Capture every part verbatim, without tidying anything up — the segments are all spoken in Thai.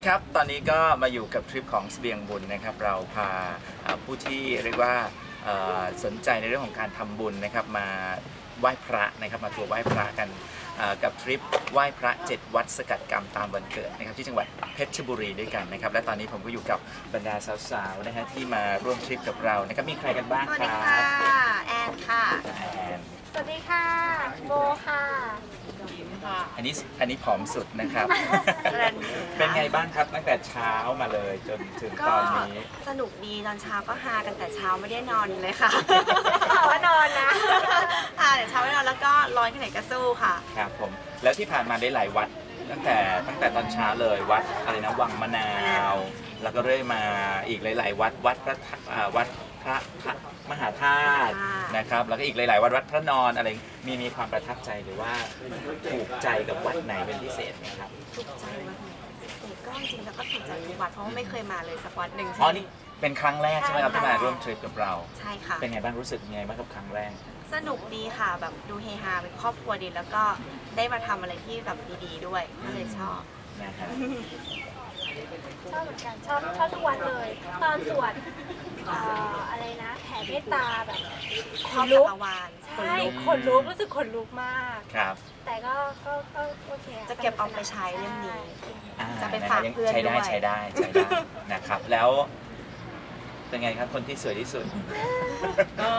ครับตอนนี้ก็มาอยู่กับทริปของเสบียงบุญนะครับเราพาผู้ที่เรียกว่าสนใจในเรื่องของการทำบุญนะครับมาไหว้พระนะครับมาทัวร์ไหว้พระกันกับทริปไหว้พระเจ็ดวัดสกัดกรรมตามวันเกิดนะครับที่จังหวัดเพชรบุรีด้วยกันนะครับและตอนนี้ผมก็อยู่กับบรรดาสาวๆนะฮะที่มาร่วมทริปกับเรานะครับมีใครกันบ้างครับสวัสดีค่ะแอนค่ะแอนสวัสดีค่ะโบค่ะอันนี้อันนี้ผอมสุดนะครับ เป็นไงบ้างครับตั้งแต่เช้ามาเลยจนถึงตอนนี้สนุกดีตอนเช้าก็ฮากันแต่เช้าไม่ได้นอนเลยค่ะข่าวว่านอนนะค่ะแต่เช้าไม่นอนแล้วก็ร้อนแค่ไหนก็สู้ค่ะครับผมแล้วที่ผ่านมาได้หลายวัดตั้งแต่ตั้งแต่ตอนเช้าเลยวัดอะไรนะวังมะนาวแล้วก็เรื่อยมาอีกหลายๆวัดวัดพระวัดพระมหาธาตุนะครับแล้วก็อีกหลายๆวัดวัดพระนอนอะไรมีมีความประทับใจหรือว่าถูกใจกับวัดไหนเป็นพิเศษไหมครับถูกใจวัดไหนพิเศษก็จริงๆแล้วก็ถูกใจทุกวัดเพราะว่าไม่เคยมาเลยสักวัดหนึ่งอ๋อนี่เป็นครั้งแรกใช่ไหมครับที่มาร่วมทริปกับเราใช่ค่ะเป็นไงบ้างรู้สึกยังไงบ้างกับครั้งแรกสนุกดีค่ะแบบดูเฮฮาเป็นครอบครัวดีแล้วก็ได้มาทำอะไรที่แบบดีๆด้วยก็เลยชอบนะครับชอบเหมือนกันชอบชอบทุกวันเลยตอนสวดอะไรนะแผ่เมตตาแบบขนลุกใช่ขนลุกรู้สึกขนลุกมากครับแต่ก็ก็ก็โอเคจะเก็บเอาไปใช้เล่มนี้จะไปฝากเพื่อนด้วยใช้ได้ใช้ได้ใช้ได้นะครับแล้วเป็นไงครับคนที่สวยที่สุดก็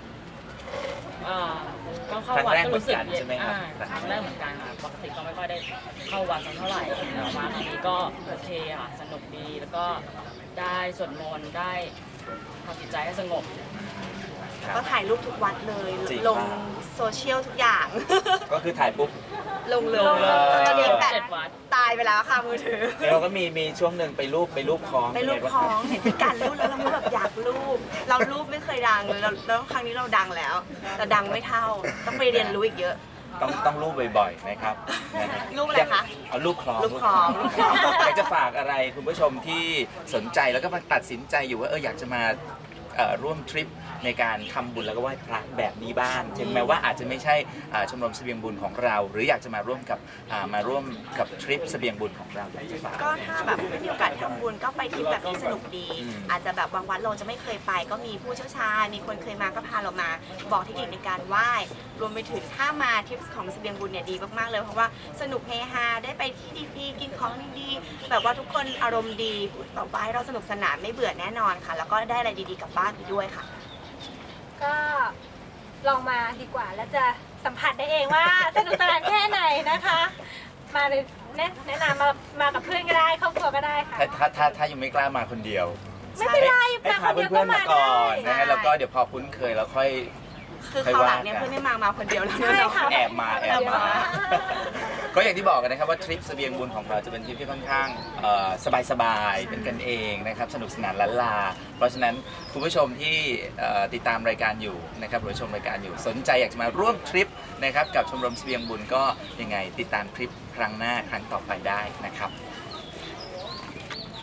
ก็เข้าวัดก็รู้สึกใช่ไหมครับครั้งแรกเหมือนกันค่ะปกติก็ไม่ค่อยได้เข้าวัดสักเท่าไหร่แต่ว่าครั้งนี้ก็โอเคค่ะสนุกดีแล้วก็ได้สวดมนต์ได้ทำจิตใจให้สงบก็ถ่ายรูปทุกวัดเลยลงโซเชียลทุกอย่างก็คือถ่ายปุ๊บลงเลยตอนนี้แปดตายไปแล้วค่ะมือถือเราก็มีมีช่วงหนึ่งไปรูปไปรูปคล้องไปรูปคล้องเห็นเป็นการรูปแล้วเราแบบอยากรูปเรารูปไม่เคยดังเลยแล้วครั้งนี้เราดังแล้วแต่ดังไม่เท่าต้องไปเรียนรู้อีกเยอะต้องต้องรูปบ่อยๆนะครับรูปอะไรคะเอารูปคล้องรูปคล้องอยากจะฝากอะไรคุณผู้ชมที่สนใจแล้วก็มาตัดสินใจอยู่ว่าเอออยากจะมาร่วมทริปในการทำบุญแล้วก็ไหว้พระแบบนี้บ้างถึงแม้ว่าอาจจะไม่ใช่ชมรมเสบียงบุญของเราหรืออยากจะมาร่วมกับมาร่วมกับทริปเสบียงบุญของเราก็ถ้าแบบไม่มีโอกาสทำบุญก็ไปทริปแบบที่สนุกดีอาจจะแบบบางวันเราจะไม่เคยไปก็มีผู้เชี่ยวชาญมีคนเคยมาก็พาเรามาบอกเทคนิคในการไหว้รวมไปถึงถ้ามาทริปของเสบียงบุญเนี่ยดีมากๆเลยเพราะว่าสนุกเฮฮาได้ไปที่ดีๆกินของดีๆแบบว่าทุกคนอารมณ์ดีต่อไปเราสนุกสนานไม่เบื่อแน่นอนค่ะแล้วก็ได้อะไรดีๆกลับบ้านไปด้วยค่ะก็ลองมาดีกว่าแล้วจะสัมผัสได้เองว่าสนุกสนานแค่ไหนนะคะมาเลยแนะนำมามากับเพื่อนก็ได้ครอบครัวก็ได้ค่ะถ้าถ้าถ้ายังไม่กล้ามาคนเดียวไม่เป็นไรมาคนเดียวก็มาก่อนนะฮะแล้วก็เดี๋ยวพอคุ้นเคยแล้วค่อยคือคราวหลังเนี่ยเพื่อนไม่มามาคนเดียวแล้วแอบมาแอบมาก็อย่างที่บอกกันนะครับว่าทริปเสบียงบุญของเราจะเป็นทริปที่ค่อนข้างสบายๆเป็นกันเองนะครับสนุกสนานล้านลาเพราะฉะนั้นคุณผู้ชมที่ติดตามรายการอยู่นะครับหรือชมรายการอยู่สนใจอยากจะมาร่วมทริปนะครับกับชมรมเสบียงบุญก็ยังไงติดตามทริปครั้งหน้าครั้งต่อไปได้นะครับ